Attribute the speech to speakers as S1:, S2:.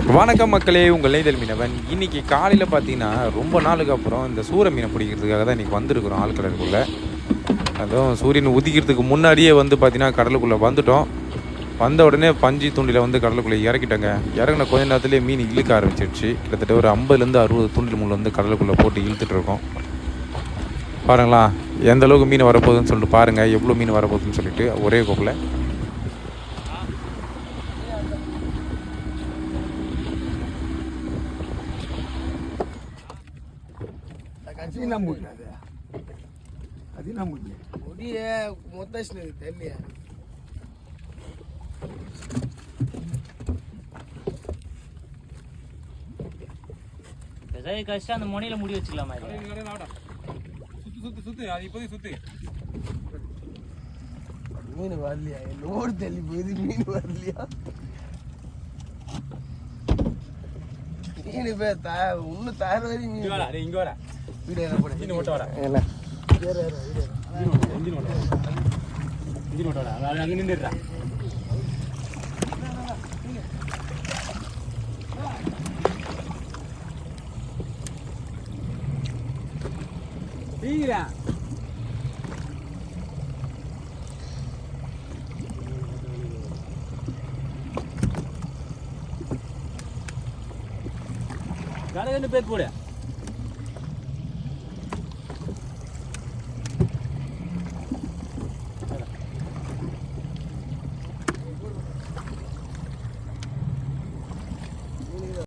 S1: வணக்கம் மக்களே, உங்கள் நெய்தல் மீனவன். இன்றைக்கி காலையில் பார்த்தீங்கன்னா ரொம்ப நாளுக்கு அப்புறம் இந்த சூர மீனை பிடிக்கிறதுக்காக தான் இன்றைக்கி வந்திருக்கிறோம் ஆழ்கடலுக்குள்ளே. அதுவும் சூரியன் உதிக்கிறதுக்கு முன்னாடியே வந்து பார்த்திங்கன்னா கடலுக்குள்ளே வந்துட்டோம். வந்த உடனே பஞ்சு தூண்டில் வந்து கடலுக்குள்ளே இறக்கிட்டோங்க. இறங்கின கொஞ்ச நேரத்துலேயே மீன் இழுக்க ஆரம்பிச்சிடுச்சு. கிட்டத்தட்ட ஒரு 50-60 தூண்டில் முள் வந்து கடலுக்குள்ளே போட்டு இழுத்துட்ருக்கோம். பாருங்களா எந்த அளவுக்கு மீன் வரப்போகுதுன்னு சொல்லிட்டு பாருங்கள், எவ்வளோ மீன் வரப்போகுதுன்னு சொல்லிட்டு ஒரே கோப்பில்.
S2: அந்த முனையில முடி வச்சுக்கலாமா?
S3: மீன் வரலையா? லோடு தள்ளி போகுது, மீன் வரலையா? மீன் பேர் இன்னும் தயார் வரையும் மீன்
S1: இங்கே வர
S3: வீடியோ என்ன போட
S1: ஓட்ட வர அங்கே நின்றுடுறா. கடை பேர் போடு.